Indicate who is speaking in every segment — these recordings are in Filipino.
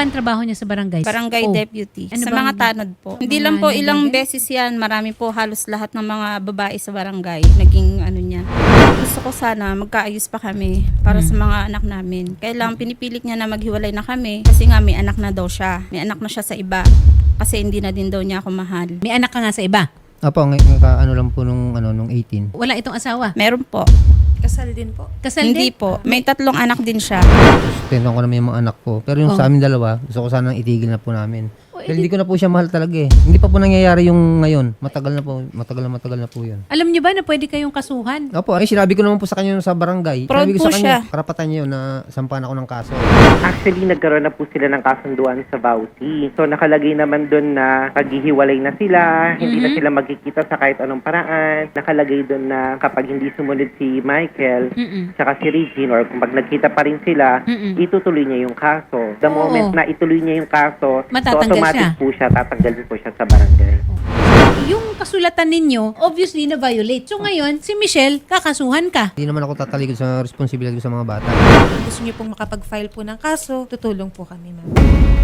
Speaker 1: ba ang trabaho niya sa barangay?
Speaker 2: Barangay
Speaker 1: Oh.
Speaker 2: deputy.
Speaker 1: Ano
Speaker 2: Sa
Speaker 1: bang-
Speaker 2: mga tanod po. Hindi
Speaker 1: mga
Speaker 2: lang po ilang
Speaker 1: nilagay?
Speaker 2: beses yan. Marami po halos lahat ng mga babae sa barangay. Naging ano niya. Gusto ko sana magkaayos pa kami para sa mga anak namin. Kailangan pinipilit niya na maghiwalay na kami kasi nga may anak na daw siya. May anak na siya sa iba. Kasi hindi na din daw niya ako mahal.
Speaker 1: May anak ka nga sa iba?
Speaker 3: Opo, ano lang po nung 18.
Speaker 1: Wala itong asawa?
Speaker 2: Meron po.
Speaker 4: Kasal din po.
Speaker 1: Kasal
Speaker 2: Hindi
Speaker 1: din?
Speaker 2: po. May 3 anak din siya.
Speaker 3: Sustentuhan ko naman yung mga anak ko. Pero yung sa amin dalawa, gusto ko sanang itigil na po namin. Dahil hindi ko na po siya mahal talaga eh. Hindi pa po nangyayari yung ngayon. Matagal na po yun.
Speaker 1: Alam niyo ba na pwede kayong kasuhan?
Speaker 3: Opo, ay sinabi ko naman po sa kanya sa barangay.
Speaker 2: Proud
Speaker 3: Sinabi ko
Speaker 2: po
Speaker 3: sa kanya,
Speaker 2: siya.
Speaker 3: karapatan niya yun na sampahan ako ng kaso.
Speaker 5: Actually, nagkaroon na po sila ng kasunduan sa Bausi. So, nakalagay naman doon na paghihiwalay na sila, hindi na sila magkikita sa kahit anong paraan. Nakalagay doon na kapag hindi sumunod si Michael, tsaka si Regine, or kung pag nagkita pa rin sila, itutuloy niya yung kaso. The moment na ituloy niya yung kaso, so
Speaker 1: Matatanggal
Speaker 5: automatic
Speaker 1: siya.
Speaker 5: po siya, tatanggalin po siya sa barangay.
Speaker 1: Yung kasulatan ninyo, obviously na-violate. So ngayon, si Michelle, kakasuhan ka.
Speaker 3: Hindi naman ako tatalikod sa responsibilidad ko sa mga bata.
Speaker 4: Kung gusto niyo pong makapag-file po ng kaso, tutulong po kami, ma'am.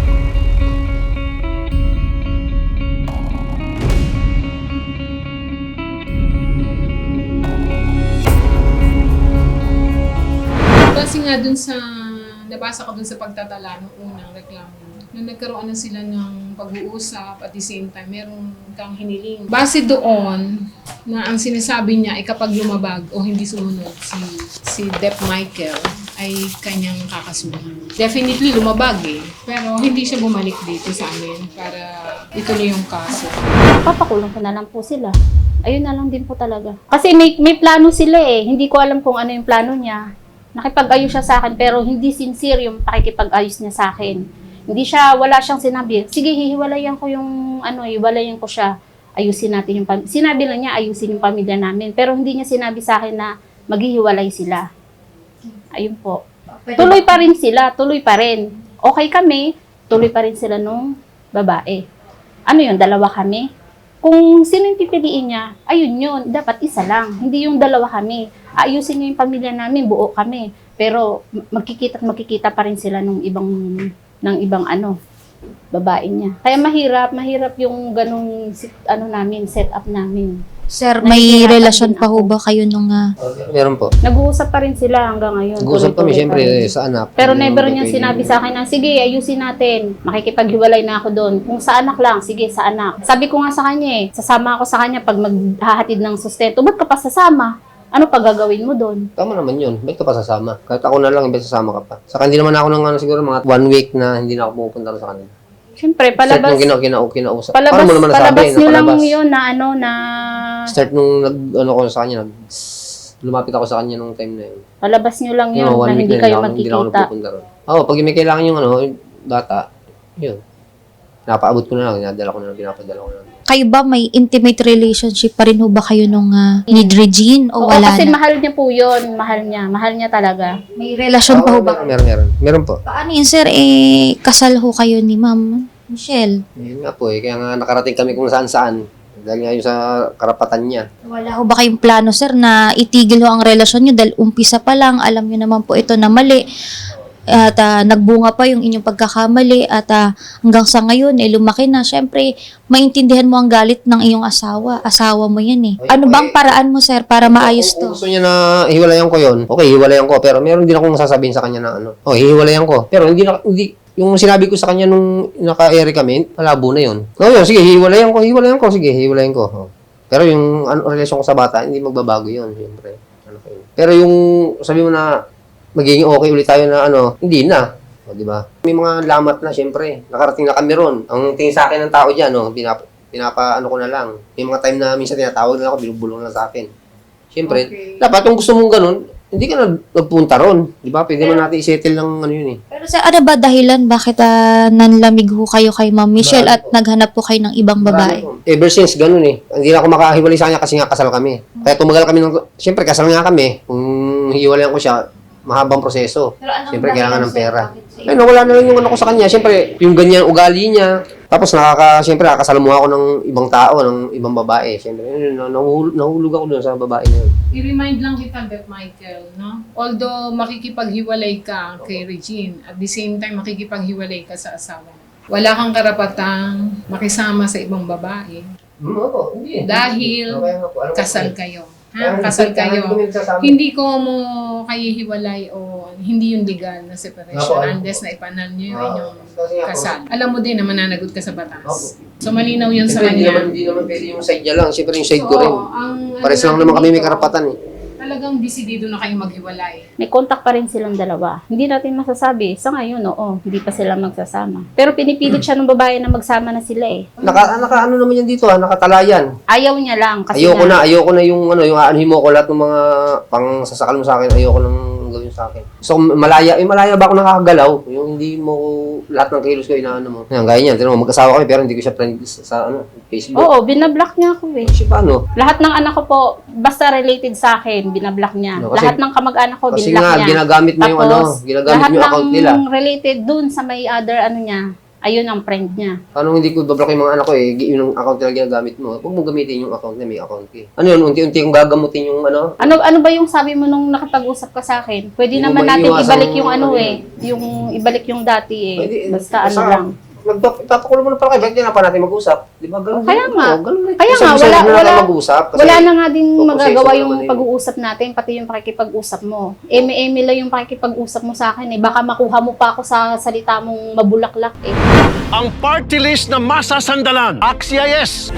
Speaker 6: Kasi nga dun sa, nabasa ko dun sa pagtatala ng unang reklamo, na nagkaroon na sila ng pag-uusap at the same time, meron kang hiniling. Base doon, na ang sinasabi niya ay kapag lumabag o hindi sumunod si Dep Michael, ay kanyang kakasuhan. Definitely lumabag eh, pero hindi siya bumalik dito sa amin para ituloy yung kaso.
Speaker 7: Papakulong ko na lang po sila. Ayun na lang din po talaga. Kasi may plano sila eh. Hindi ko alam kung ano yung plano niya. Nakipag-ayos siya sa akin pero hindi sincere yung pakikipag-ayos niya sa akin. Wala siyang sinabi. Sige, hihiwalayan ko yung hiwalayan ko siya. Ayusin natin yung pamilya. Sinabi lang niya ayusin yung pamilya namin. Pero hindi niya sinabi sa akin na maghihiwalay sila. Ayun po. Tuloy pa rin sila. Tuloy pa rin. Okay kami. Tuloy pa rin sila nung babae. Ano yun? Dalawa kami. Kung sino yung pipiliin niya, ayun yun. Dapat isa lang. Hindi yung dalawa kami. Ayusin niya yung pamilya namin. Buo kami. Pero magkikita pa rin sila ng ibang babae niya. Kaya mahirap yung ganung setup namin.
Speaker 8: Sir, may
Speaker 7: Nahihirapan
Speaker 8: relasyon
Speaker 7: din
Speaker 8: pa ho
Speaker 7: ako.
Speaker 8: ba kayo nung...
Speaker 3: Meron po.
Speaker 7: Nag-uusap pa rin sila hanggang ngayon.
Speaker 3: Nag-uusap kami
Speaker 7: Tuloy-tuloy
Speaker 3: siyempre
Speaker 7: pa rin.
Speaker 3: sa anak.
Speaker 7: Pero never niya sinabi sa akin na, sige, ayusin natin. Makikipaghiwalay na ako doon. Kung sa anak lang, sige, sa anak. Sabi ko nga sa kanya sasama ako sa kanya pag maghahatid ng sustento. Ba't ka pa sasama? Ano pa gagawin mo doon?
Speaker 3: Tama naman yun. Ba't ka pa sasama? Kahit ako na lang, imbes sasama ka pa. Saka hindi naman ako ng siguro mga 1 week na hindi na ako pupunta sa kanila.
Speaker 7: Siyempre, palabas.
Speaker 3: Start nung kinausap.
Speaker 7: Palabas,
Speaker 3: Paano mo naman nasabi
Speaker 7: palabas
Speaker 3: na
Speaker 7: nyo lang
Speaker 3: palabas?
Speaker 7: yun na
Speaker 3: Start nung ko sa kanya, lumapit ako sa kanya nung time na yun.
Speaker 7: palabas nyo lang yun
Speaker 3: Yung 1
Speaker 7: na
Speaker 3: week
Speaker 7: hindi
Speaker 3: na
Speaker 7: kayo
Speaker 3: yun, hindi na ako
Speaker 7: magkikita.
Speaker 3: napupunta ron. Oo, pag may kailangan yung yung bata, yun. Napaabot ko na lang, pinadala ko na lang.
Speaker 8: Kayo ba may intimate relationship pa rin ho ba kayo nung ni Regine o
Speaker 7: Oo,
Speaker 8: wala
Speaker 7: kasi
Speaker 8: na?
Speaker 7: mahal niya po yun. Mahal niya talaga.
Speaker 8: May relasyon pa ho ba?
Speaker 3: Meron po.
Speaker 8: Paano yun, sir? Kasal ho kayo ni Ma'am Michelle.
Speaker 3: Yun nga po kaya nga nakarating kami kung saan-saan. Dahil nga yung sa karapatan niya.
Speaker 8: Wala ho ba kayong plano, sir, na itigil ho ang relasyon nyo dahil umpisa pa lang, alam nyo naman po ito na mali. At nagbunga pa yung inyong pagkakamali at hanggang sa ngayon, lumaki na. Siyempre, maintindihan mo ang galit ng iyong asawa. Asawa mo yan eh. Ano bang paraan mo, sir, para maayos
Speaker 3: Kung
Speaker 8: to?
Speaker 3: gusto niya na hiwalayan ko yun, okay, hiwalayan ko. Pero meron din akong sasabihin sa kanya na hiwalayan ko. Pero hindi, yung sinabi ko sa kanya nung naka-ere kami, malabo na yun. Yun, sige, hiwalayan ko, sige, hiwalayan ko. Pero yung relasyon ko sa bata, hindi magbabago yun, siyempre. Pero yung sabi mo na magiging okay ulit tayo na hindi na. O, di ba? May mga lamat na, siyempre. Nakarating na kami ron. Ang tingin sa akin ng tao dyan, pinapa ko na lang. May mga time na minsan tinatawag na ako, binubulong na sa akin. Siyempre, dapat kung gusto mong ganun, hindi ka nagpunta ron. Di ba? Pwede man natin i-settle ng yun eh.
Speaker 8: Pero sir, ano ba dahilan? Bakit nanlamig ho kayo kay Ma'am Michelle at naghanap po kayo ng ibang babae?
Speaker 3: Ever since, ganun eh. Hindi na ako makahiwalay sa kanya kasi nga kasal kami. Kaya tumagal kami siyempre kasal nga kami. Kung hiwalayan ko siya, mahabang proseso. Siyempre, kailangan ng pera. Wala na lang yung ko sa kanya. Siyempre, yung ganyan ugali niya, Tapos siyempre nakakasalamuha ako ng ibang tao, ng ibang babae. Siyempre, nahulog ako doon sa babae na yun.
Speaker 6: I-remind lang kita, Beth Michael, no? Although makikipaghiwalay ka kay Regine, at the same time makikipaghiwalay ka sa asawa mo, wala kang karapatang makisama sa ibang babae.
Speaker 3: Opo, hindi.
Speaker 6: Dahil
Speaker 3: Kaya nga po, alam ko
Speaker 6: kasal
Speaker 3: po eh.
Speaker 6: kayo.
Speaker 3: Kaya
Speaker 6: Kasal
Speaker 3: kaya
Speaker 6: kayo.
Speaker 3: hindi ko nagsasabi.
Speaker 6: Hindi ko mo kayo hiwalay o hindi yung legal na separation
Speaker 3: Opo, alam ko
Speaker 6: unless
Speaker 3: po.
Speaker 6: na ipanan nyo yung
Speaker 3: Ah,
Speaker 6: inyong
Speaker 3: kasi nga po.
Speaker 6: kasal. Alam mo din na mananagot ka sa batas.
Speaker 3: Opo.
Speaker 6: So malinaw yun sa
Speaker 3: Siyempre,
Speaker 6: kanya.
Speaker 3: hindi naman pwede yung side niya lang. Siyempre yung side ko rin.
Speaker 6: ang
Speaker 3: Pares lang
Speaker 6: ano
Speaker 3: naman kami may
Speaker 6: dito,
Speaker 3: karapatan eh.
Speaker 6: Talagang desidido na kayo maghiwalay.
Speaker 7: May contact pa rin silang dalawa. Hindi natin masasabi. Sa ngayon, oo, hindi pa sila magsasama. Pero pinipilit siya ng babae na magsama na sila eh.
Speaker 3: Ano naman yan dito nakatalayan.
Speaker 7: Ayaw niya lang kasi
Speaker 3: Ayoko na yung aanhin mo ko lahat ng mga pang sasakal mo sa akin. Ayoko nang gawin sa akin. So malaya ba ako nakakagalaw? Yung hindi mo lahat ng kilos ko inaano mo. Yan, gaya niyan. Tingnan mo, mag-asawa kami pero hindi ko siya friend sa Facebook.
Speaker 7: Oo, binablock niya ako eh.
Speaker 3: Kasi paano?
Speaker 7: Lahat ng anak ko po, basta related sa akin, binablock niya.
Speaker 3: No, kasi-
Speaker 7: Lahat ng kamag-anak ko,
Speaker 3: Kasi
Speaker 7: binablock
Speaker 3: nga,
Speaker 7: niya.
Speaker 3: ginagamit mo yung ginagamit
Speaker 7: lahat
Speaker 3: mo yung account nila.
Speaker 7: ng related dun sa may other niya, ayun ang friend niya.
Speaker 3: Paano hindi ko ibablock yung mga anak ko eh? Yun ang account nila ginagamit mo. Huwag mo gamitin yung account na may account eh. Ano yun? Unti-unti kong gagamutin yung
Speaker 7: Ano ba yung sabi mo nung nakapag-usap ka sa akin? Pwede
Speaker 3: Hindi mo
Speaker 7: naman natin
Speaker 3: maiiwasan
Speaker 7: ibalik yung
Speaker 3: ano
Speaker 7: yung ibalik yung dati eh.
Speaker 3: Pwede,
Speaker 7: Basta ano lang.
Speaker 3: Ipapakulo mo na pala kayo. Bakit na pa natin mag-usap? Di ba? Ganun,
Speaker 7: Kaya nga.
Speaker 3: Ganun,
Speaker 7: Kaya nga,
Speaker 3: Gusto na
Speaker 7: wala-
Speaker 3: natin mag-usap. Kasi
Speaker 7: Wala na nga din
Speaker 3: focus
Speaker 7: magagawa
Speaker 3: sa
Speaker 7: yung
Speaker 3: naman eh.
Speaker 7: pag-uusap natin, pati yung pakikipag-usap mo. Eme-eme lang yung pakikipag-usap mo sa akin eh. Baka makuha mo pa ako sa salita mong mabulaklak eh.
Speaker 9: Ang party list na masasandalan. Axia yes!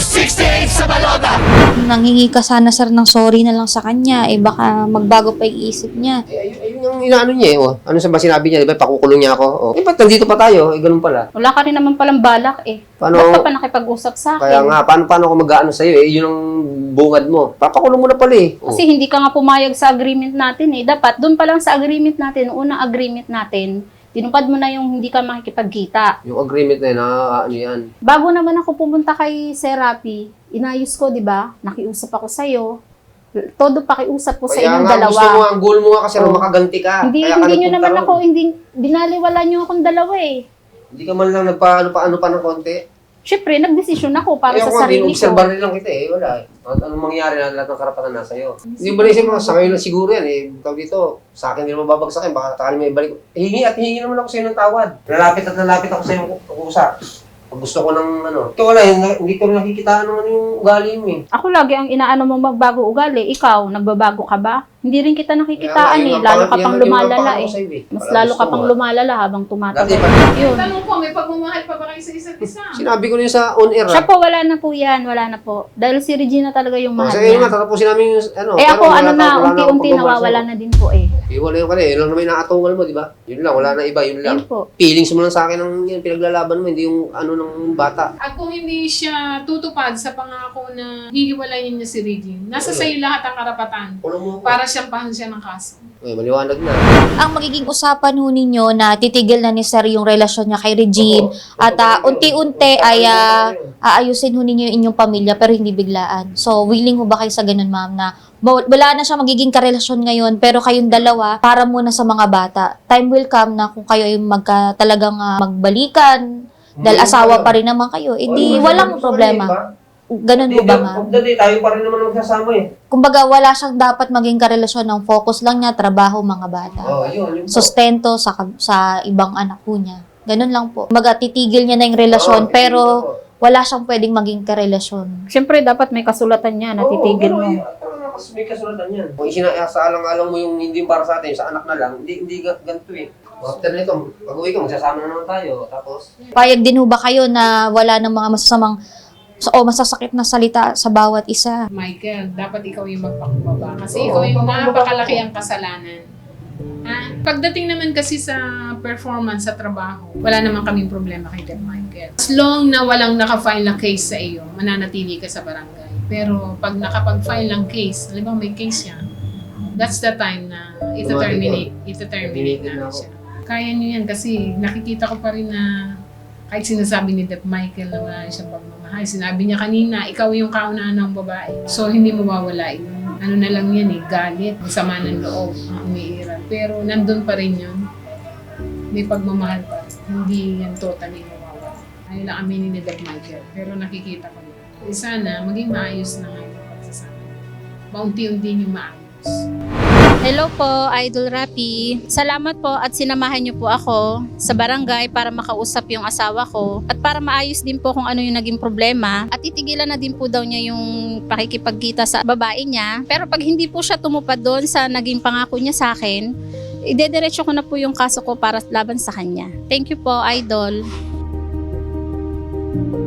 Speaker 8: Nanghingi ka sana sir ng sorry na lang sa kanya, eh baka magbago pa yung isip niya.
Speaker 3: Ayun yung inaano niya eh. Oh. Ano sa ba sinabi niya? Di ba? Pakukulong niya ako. Oh. Eh, ba't nandito pa tayo? Eh, ganun pala.
Speaker 7: Wala ka rin naman palang balak eh.
Speaker 3: Paano?
Speaker 7: Ba't ka pa nakipag-usap sa akin?
Speaker 3: Kaya nga, paano ako mag-aano sa'yo eh? Yun ang bungad mo. Papakulong mo na pala eh. Oh.
Speaker 7: Kasi hindi ka nga pumayag sa agreement natin eh. Dapat, doon pa lang sa agreement natin, unang agreement natin, tinupad mo na yung hindi ka makikipagkita.
Speaker 3: Yung agreement na yun, ano yan.
Speaker 7: Bago naman ako pumunta kay Serapi, inayos ko, di ba? Nakiusap ako sa'yo. Todo pakiusap ko sa
Speaker 3: Kaya
Speaker 7: inyong
Speaker 3: nga,
Speaker 7: dalawa.
Speaker 3: gusto mo, ang goal mo nga kasi
Speaker 7: Oh.
Speaker 3: makaganti ka.
Speaker 7: Hindi,
Speaker 3: Kaya ka
Speaker 7: hindi nyo
Speaker 3: nagpunta
Speaker 7: naman
Speaker 3: ron.
Speaker 7: ako, hindi, binaliwala nyo akong dalawa eh.
Speaker 3: Hindi ka man lang nagpa-ano pa ng konti.
Speaker 7: Siyempre, nagdesisyon ako para
Speaker 3: Kaya
Speaker 7: sa sarili ko.
Speaker 3: obserbar rin lang kita eh, wala eh. At anong mangyari na lahat ng karapatan nasa iyo. Hindi ba naisip mo, sa ngayon lang siguro yan eh. Tawag dito, sa akin din mababagsakin, baka takali may ibalik. Hingi naman ako sa iyo ng tawad. Nalapit ako sa iyo kusa. Pag gusto ko ng ito wala, hindi ko rin nakikita yung ugali mo eh.
Speaker 7: Ako lagi ang inaano mo magbago ugali. Ikaw, nagbabago ka ba? Hindi rin kita nakikitaan eh. Lalo ka pang lumalala eh. Mas lalo ka pang lumalala habang tumatagal. Yun.
Speaker 6: Tanong ko, may pagmamahal pa ba kayo sa isa't isa?
Speaker 3: Sinabi ko rin sa on-air
Speaker 7: Siya po, wala na po yan. Wala na po. Dahil si Regina talaga yung mahal
Speaker 3: Sa iyo nga,
Speaker 7: niya.
Speaker 3: tatapusin namin yung
Speaker 7: Eh
Speaker 3: pero
Speaker 7: ako,
Speaker 3: wala
Speaker 7: ano na,
Speaker 3: wala
Speaker 7: unti-unti
Speaker 3: akong pagmamahal
Speaker 7: nawawala
Speaker 3: sa'yo.
Speaker 7: na din po eh.
Speaker 3: Wala yung yun lang naman yung nakatungal mo, di ba? Yun lang, wala na iba, yun lang.
Speaker 7: Yun po.
Speaker 3: Feelings mo lang sa akin ng yun, pinaglalaban mo, hindi yung ng bata.
Speaker 6: At kung hindi siya tutupad sa pangako na hihiwalayin niya si Regine, nasa sa'yo lahat ang karapatan
Speaker 3: Kulong mo ako.
Speaker 6: para siyampahan siya ng kaso.
Speaker 3: Maliwanag na.
Speaker 8: Ang magiging usapan ho ninyo na titigil na ni sir yung relasyon niya kay Regine at unti-unti ay aayusin ho ninyo yung inyong pamilya pero hindi biglaan. So, willing ho ba kayo sa ganun, ma'am, na wala na siya magiging karelasyon ngayon pero kayong dalawa para muna sa mga bata. Time will come na kung kayo ay talagang magbalikan dahil asawa pa rin naman kayo, edi walang problema. Ganun ho ba, ma'am?
Speaker 3: Tayo pa rin naman magsasama eh.
Speaker 8: Kumbaga, wala siyang dapat maging karelasyon ng focus lang niya, trabaho, mga bata.
Speaker 3: Yun.
Speaker 8: Sustento sa ibang anak po niya. Ganun lang po. Kumbaga, titigil niya na yung relasyon, pero wala siyang pwedeng maging karelasyon.
Speaker 7: Siyempre, dapat may kasulatan niya na titigil mo.
Speaker 3: May kasulatan yan. Kung isinaalang-alang mo yung hindi para sa atin, sa anak na lang, hindi ganito eh. After nito, pag-uwi ko, magsasama na naman tayo. Tapos,
Speaker 8: Payag din ho ba kayo na wala ng mga masasamang o masasakit na salita sa bawat isa?
Speaker 6: Michael, dapat ikaw yung magpakumbaba kasi ikaw yung napakalaki ang kasalanan. Ha? Pagdating naman kasi sa performance sa trabaho, wala naman kaming problema kay Deb Michael. As long na walang nakafile na case sa iyo, mananatili ka sa barangay. Pero pag nakapag-file ng case, alam mo may case yan, that's the time na ito-terminate na siya. Kaya niyo yan kasi nakikita ko pa rin na kahit sinasabi ni Deb Michael na wala siyang pagmamahal. Sinabi niya kanina, ikaw yung kaunaan ng babae. So, hindi mawawala yun. Ano na lang yan eh, galit, sama ng loob, ang umiiral. Pero nandun pa rin yun. May pagmamahal pa. Hindi yan totally mawawala. Ayaw lang aminin ni Doc Michael. Pero nakikita ko yun. Sana maging maayos na nga yung pagsasama. Maunti-unti yung maayos.
Speaker 2: Hello po, Idol Rapi. Salamat po at sinamahan niyo po ako sa barangay para makausap yung asawa ko at para maayos din po kung ano yung naging problema at itigilan na din po daw niya yung pakikipagkita sa babae niya. Pero pag hindi po siya tumupad doon sa naging pangako niya sa akin, idediretso ko na po yung kaso ko para laban sa kanya. Thank you po, Idol.